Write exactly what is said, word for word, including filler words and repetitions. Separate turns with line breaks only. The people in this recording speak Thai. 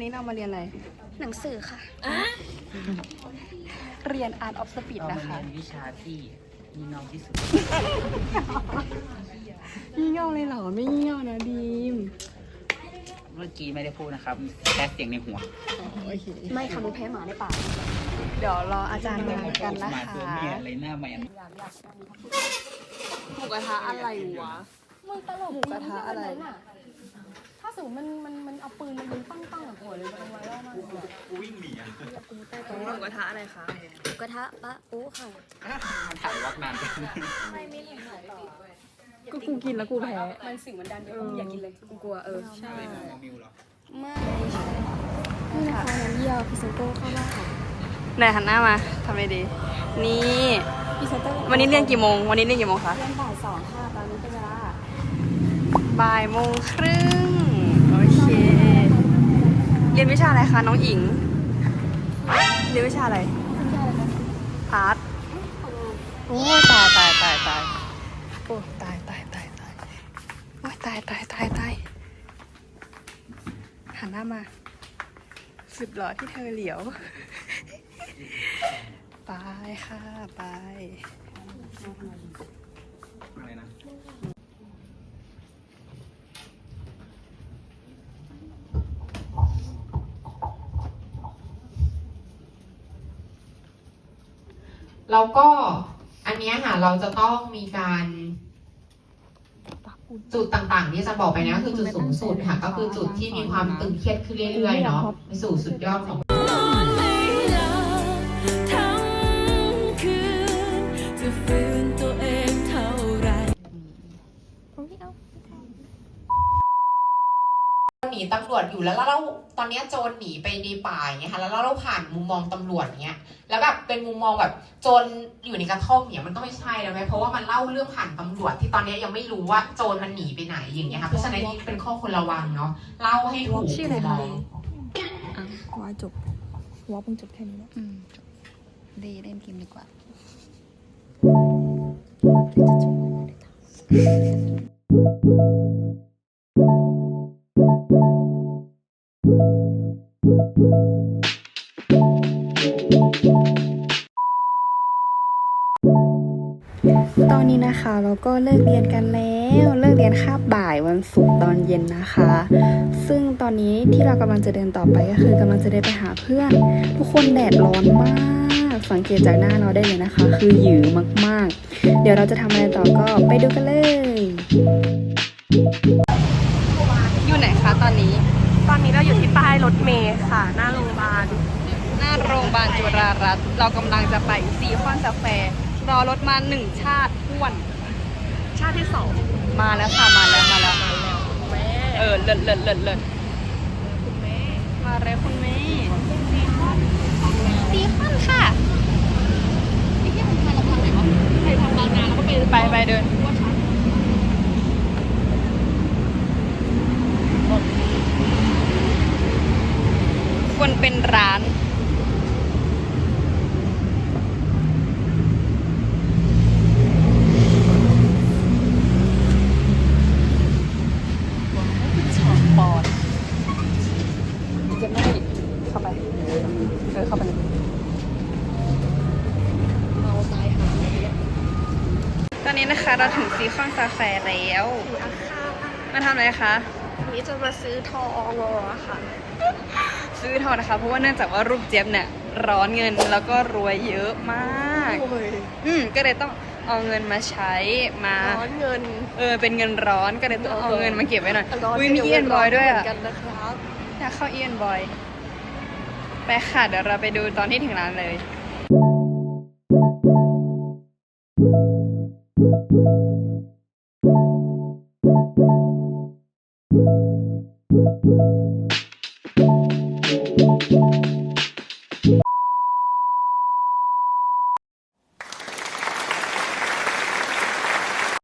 นี้เรามาเรียนอะไร
หนังสือค่ะ
เรียน Art of Speed นะคะ
เรามาเรียนวิชาที่งี่เง่าที่สุด
งี่เง่าเลยเหรอไม่งี่เง่านะดีม
เมื่อกี้ไม่ได้พูดนะครับแค่เสียงในหัว
โอเค
ไม่ค่ะมันแพ้หมาในป่า
เดี๋ยวรออาจารย์มากันนะคะ
อะไรหน้าแมน
หมูกระทะอะไรวะ
มึงตลก
หมูกระทะอะไร
ถ้าสมมติมันมันมันเอาปืนมันยิงปั้งปั้งกับหัวเลยมันไวรัลมากเลย
กูวิ่งหนีอ่ะ
หมูกระทะอะไรคะ
หมูกระทะปะโอ้ค่ะ
ถ่ายวักนาน
ไม่ไม่เห็นถ่ายต่อ
ก็กูกินแล้วกูแพ้
มันสิ่งมันดันเอออยากกินเลย
กูกลัวเออใช่
ไม่มิวหรอ
ไม่นี่นะคะน้ำเยี่ยวพิซซ่าโก้เข้าบ้าน
ไหนหันหน้ามาทำไมดีนี่วันนี้เรียนกี่โมงวันนี้เรียนกี่โมงคะ
เรียนบ่ายสองค่ะตอนนี้เป็นเวลา
บ่ายโมงครึ่งโอเคเรียนวิชาอะไรคะน้องหญิงเรียนวิชาอะไรอาร์ตโอ้ตายตายตายตายโอ้ตายตายตายตายโอ้ตายตายตายตายหันหน้ามาสุดหล่อที่เธอเหลียวไปค่ะไป
อะไรนะ
แล้วก็อันนี้ค่ะเราจะต้องมีการจุดต่างๆที่จะบอกไปนะคือจุดสูงสุดค่ะก็คือจุดที่มีความตึงเครียดขึ้นเรื่อยๆเนาะไปสู่สุดยอดของหนีตำรวจอยู่แล้วเราตอนนี้โจรหนีไปในป่าอย่างเงี้ยค่ะแล้วเราผ่านมุมมองตำรวจเงี้ยแล้วแบบเป็นมุมมองแบบโจรอยู่ในกระท่อมเนี่ยมันก็ไม่ใช่แล้วไหมเพราะว่ามันเล่าเรื่องผ่านตำรวจที่ตอนนี้ยังไม่รู้ว่าโจรมันหนีไปไหนอย่างเงี้ยค่ะเพราะฉะนั้นนี่เป็นข้อควรระวังเนาะเล่าให้ถูกมุมมอง
ว่าจบว่าเพิ่งจบแค่นี้นะอืมจบดีเล่นเกมดีกว่าตอนนี้นะคะเราก็เลิกเรียนกันแล้วเลิกเรียนคาบบ่ายวันศุกร์ตอนเย็นนะคะซึ่งตอนนี้ที่เรากำลังจะเดินต่อไปก็คือกำลังจะเดินไปหาเพื่อนทุกคนแดดร้อนมากสังเกตจากหน้าเราได้เลยนะคะคือหยือมากๆเดี๋ยวเราจะทำอะไรต่อก็ไปดูกันเลยอยู่ไหนคะตอนนี้
ตอนนี้เราอยู่ที่ป้ายรถเมล์ค่ะหน้าโรงพยาบาล
หน้าโรงพยาบาลจุฬารัตน์เรากำลังจะไปซีคอนสแควร์รอรถมาหนึ่งชาติท้วน
ชาติที่สอง
มาแล้วค่ะมาแล้วมาแล้ว
แม่
เออเลิศเลิศเลิศเลิศ
คุณแม่
มาแล้วคุณแม่
ซีคอน
ซีคอนค่ะ
ไอ้ที่มันมาทางไหนวะใครทำงานงานแล้วก็ไป
ไปไปเดินควรเป็นร้านปอดจะไม่เข้าไปเออเข้าไป
เมาตายหา
ตอนนี้นะคะเราถึงซีคอนซาแฟร์แล้วมาทำอะไรคะ
วันนี้จะมาซื้อทองค่ะ
ซื้อทองนะคะเพราะว่าเนื่องจากว่ารูปเจี๊ยบเนี่ยร้อนเงินแล้วก็รวยเยอะมากอืมก็เลยต้องเอาเงินมาใช้มา
ร้อนเงิน
เออเป็นเงินร้อนก็เลยต้องเอาเงินมาเก็บไว้หน่อยอุ้ยมีเอียนบอยด้วยอ่ะอยากเข้าเอียนบอยไปค่ะเดี๋ยวเราไปดูตอนที่ถึงร้านเลย